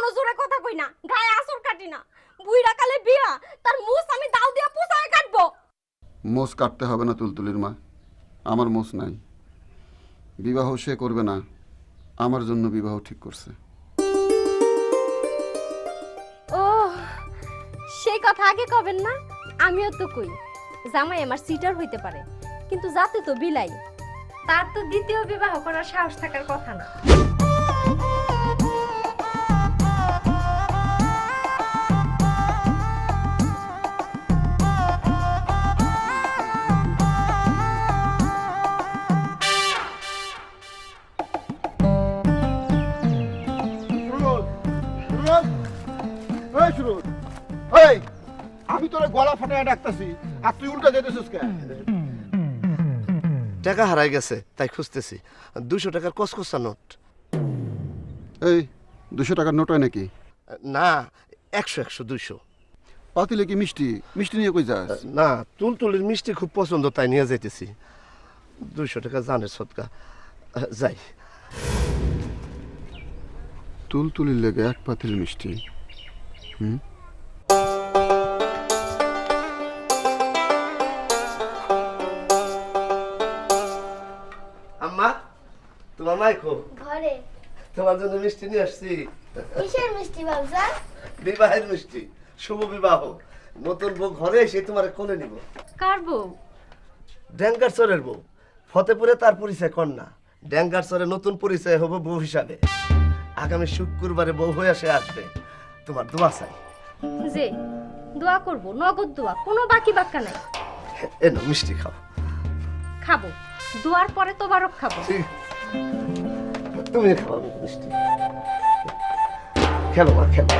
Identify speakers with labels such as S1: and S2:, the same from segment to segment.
S1: এখনো জোরে কথা কই না, গায়ে আসর কাটি না। বুইড়া কালে বিয়া, তার মুছ আমি দাও দিয়া পুষায় কাটবো।
S2: মোষ কাটতে হবে না তুলতুলির মা, আমার মোষ নাই। বিবাহ সে করবে না, আমার জন্য বিবাহ ঠিক করছে।
S1: ও, সেই কথা আগে কবেন না? আমিও তো কই জামাই আমার সিটার হইতে পারে, কিন্তু যাতে তো বিলাই, তার তো দ্বিতীয় বিবাহ করার সাহস থাকার কথা না।
S3: আমি তোর গলা ফাটায় ডাকতেছি আর তুই উল্টা যেতেছিস কেন?
S4: টাকা হারাই গেছে তাই খুঁজতেছি। 200 টাকার কসকসা নোট।
S2: এই 200 টাকার নোট হয় নাকি?
S4: না, 100 200।
S2: পাতিলে কি মিষ্টি? মিষ্টি নিয়ে কই যাস?
S4: না, তুলতুলির মিষ্টি খুব পছন্দ তাই নিয়ে যাইতেছি। 200 টাকা জানের সদকা। যাই।
S2: তুলতুলির লেগে এক পাতিল মিষ্টি।
S4: আম্মা, তোমার মাইকো
S5: ঘরে।
S4: তোমার জন্য মিষ্টি নিয়ে আসছি।
S5: কিসের মিষ্টি বাবজান?
S4: বিবাহের মিষ্টি, শুভ বিবাহ। নতুন বউ ঘরে এসে তোমার কোলে নিব।
S1: কার বউ?
S4: ড্যাঙ্গার চরের বউ। ফতেপুরে তার পরিচয় কন্যা, ড্যাঙ্গার চরে নতুন পরিচয় হবে বউ হিসাবে। আগামী শুক্রবারে বউ হয়ে সে আসবে। তোমার দোয়া চাই।
S1: যে দোয়া করব, নগদ দোয়া, কোনো বাকি বাক্কা নাই।
S4: এনো মিষ্টি খাও।
S1: খাবো, দোয়ার পরে তোবারক খাবো।
S4: ঠিক, তুমি খাও মিষ্টি। খেলো মা, খেলো।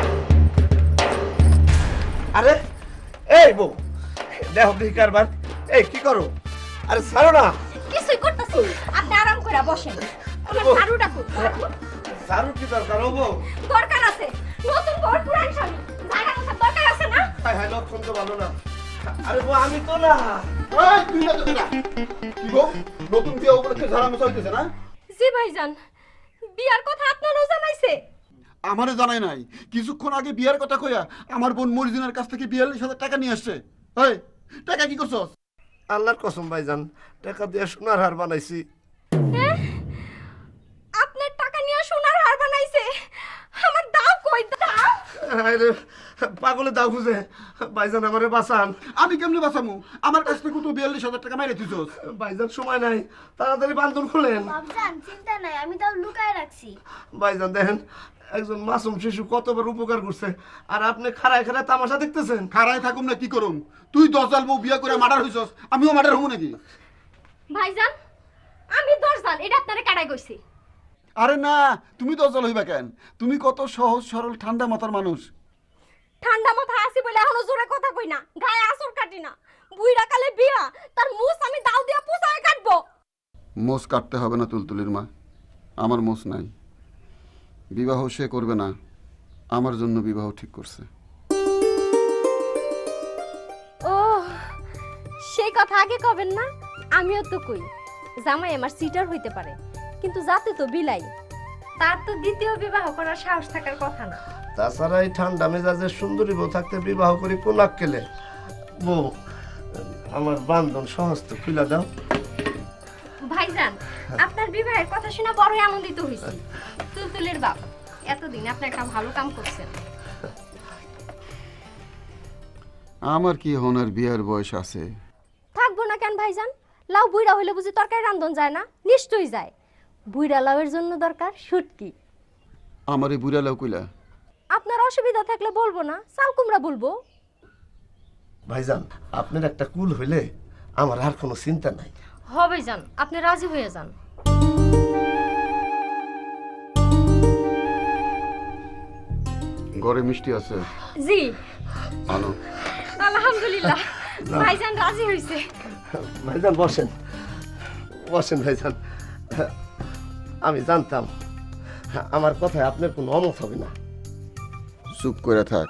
S4: আরে এই বউ, দেখো কি কারবার। এই কি করো? আরে ছাড়ো না।
S1: কিছুই করতেছি, আপনি আরাম করে বসেন। আমার ঝাড়ুটা কই?
S4: ঝাড়ু কি দরকার ও বউ?
S1: দরকার আছে, নতুন বর পুরান স্বামী, ঝাড়া মোছার দরকার আছে না?
S4: হায় হায়, লক্ষণ তো ভালো না। আরে বউ আমি তো না।
S3: এই তুই না তুই না কি গো, নতুন বিয়ে উপলক্ষে ঝাড়া মোছা হইতেছে না?
S1: জি ভাইজান, বিয়ার কথা আপনারও জানাইছে?
S2: আমারে জানাই নাই। কিছুক্ষণ আগে বিয়ার কথা কইয়া আমার বোন মরিজিনার কাছ থেকে 42,000 টাকা নিয়ে আসছে। এই টাকা কি করছস?
S4: আল্লাহর কসম ভাইজান, টাকা দিয়ে সোনার হার বানাইছি।
S1: আপনার টাকা নিয়ে সোনার হার বানাইছে? আমার দাও কই, দাও।
S4: আরে পাগলে দাও খুঁজে। ভাইজান আমারে বাঁচান।
S2: আমি কেমনে বাঁচামু? আমার কাছ থেকে তো 42,000 টাকা মাইরে দিছস।
S4: ভাইজান সময় নাই, তাড়াতাড়ি বান্ধন খুলেন।
S5: বাবজান চিন্তা নাই, আমি তাও লুকায় রাখছি।
S4: ভাইজান দেখেন, একজন মাসুম শিশু কতবার উপকার করছে, আর আপনি খাড়ায় খাড়ায় তামাশা দেখতেছেন।
S2: খাড়ায় থাকুম না কি করুম? তুই 10 জাল বউ বিয়া করে মার্ডার হইছস, আমিও মার্ডার হবো নাকি?
S1: ভাইজান, আমি দরজাল, এটা আপনারে কাটাই কইছি।
S2: আরে না, তুমি 10 জাল হইবা কেন? তুমি কত সহজ সরল ঠান্ডা মাথার মানুষ।
S1: ঠান্ডা মাথা আছি বলে এখনো জোরে কথা কই না, গায়ে আসর কাটি না। বুইড়া কালে বিয়া, তার মুছ আমি দাও দিয়া পুষায় কাটবো।
S2: মোষ কাটতে হবে না তুলতুলির মা, আমার মোষ নাই। বিবাহ সে করবে না, আমার জন্য বিবাহ ঠিক করছে।
S1: ও, সেই কথা আগে কবেন না? আমিও তো কই জামাই আমার সিটার হইতে পারে, কিন্তু যাতে তো বিলাই, তার তো দ্বিতীয় বিবাহ করার সাহস থাকার কথা না।
S4: তাছাড়া এই ঠান্ডা মেজাজে সুন্দরী বউ থাকতে বিবাহ করি কোন আক্কেলে? বউ, আমার বান্ধন সমস্ত খুলে দাও।
S1: ভাইজান, আপনার বিবাহের কথা শুনে বড়ই আনন্দিত হইছি। তুলতুলের বাপ, এতদিন আপনি একটা ভালো কাম করছেন।
S2: আমার কি হনার বিয়ার বয়স আছে?
S1: থাকবো না কেন ভাইজান? লাউ বুইড়া হইলে বুঝি তরকারি রান্ধন যায় না? নিশ্চয়ই যায়। বুইড়া লাউয়ের জন্য দরকার শুটকি।
S2: আমার এই বুড়া লাউ কইলা?
S1: আপনার অসুবিধা থাকলে বলবো না, চাল কুমড়া বলবো।
S4: ভাইজান, আপনার একটা কুল হইলে আমার আর কোনো চিন্তা নাই।
S1: হবে যান, আপনি রাজি হয়ে যান।
S2: ঘরে মিষ্টি আছে?
S1: জি
S2: আনো।
S1: আলহামদুলিল্লাহ, ভাইজান রাজি হইছে।
S4: ভাইজান বসেন, বসেন ভাইজান। আমি জানতাম আমার কথায় আপনার কোনো অমত হবে না।
S2: চুপ করে থাক।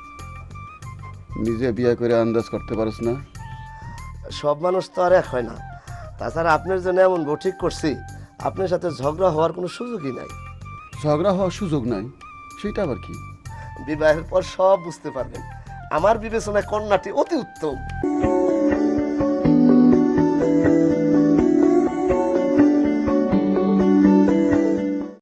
S2: নিজে বিয়ে করে আন্দাজ করতে পারছ না?
S4: সব মানুষ তো আর এক হয় না। তাছাড়া আপনার জন্য এমন বউ ঠিক করছি, আপনার সাথে ঝগড়া হওয়ার কোনো সুযোগই নাই।
S2: ঝগড়া হওয়ার সুযোগ নাই, সেটা আবার কি?
S4: বিবাহের পর সব বুঝতে পারবেন। আমার বিবেচনায় কন্যাটি অতি উত্তম।